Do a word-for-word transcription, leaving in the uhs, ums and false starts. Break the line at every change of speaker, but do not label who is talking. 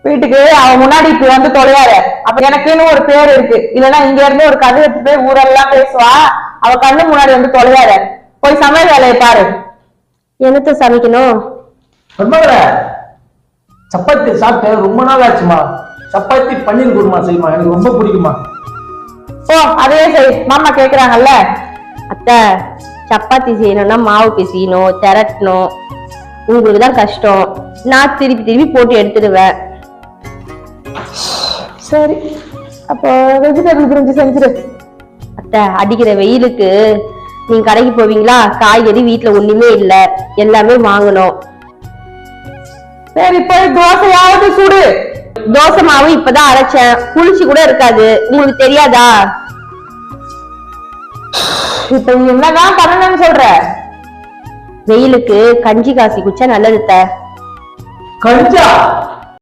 வீட்டுக்கு அவன் முன்னாடி இப்ப வந்து தொலையாரு. அப்ப எனக்குன்னு ஒரு பேர் இருக்கு. இல்லன்னா இங்க இருந்து ஒரு கதை எடுத்து போய் ஊரெல்லாம் பேசுவா. அவ கண்ணு முன்னாடி வந்து தொலையாரு. போய் சமையல் வேலையை பாரு.
என்னத்த சமைக்கணும்?
சப்பாத்தி சாப்பிட்டு ரொம்ப நாள் ஆச்சுமா. சப்பாத்தி பன்னீர் குருமா செய்யுமா, எனக்கு ரொம்ப பிடிக்குமா.
ஓ அதே சரி, மாமா கேக்குறாங்கல்ல.
அத்தை, சப்பாத்தி செய்யணும்னா மாவு பிசையணும், திரட்டணும். உங்களுக்கு தான் கஷ்டம். நான் திருப்பி திருப்பி போட்டு எடுத்துடுவேன்.
சரி, அப்போ வெஜிடபிள் பிரிஞ்சு செஞ்சிரு.
அத்தை, அடிக்கிற வெயிலுக்கு நீங்க கடைக்கு போவீங்களா? காய்கறி வீட்டுல ஒண்ணுமே இல்ல, எல்லாமே வாங்கணும்.
சரி, போய் தோசையாவது சுடு.
தோசை மாவு இப்பதான் அரைச்சேன், புளிச்சு கூட இருக்காது. உங்களுக்கு தெரியாதா?
இப்ப என்னதான் பண்ணணும்னு சொல்ற?
வெயிலுக்கு கஞ்சி காசி குச்சா நல்லது.
கஞ்சா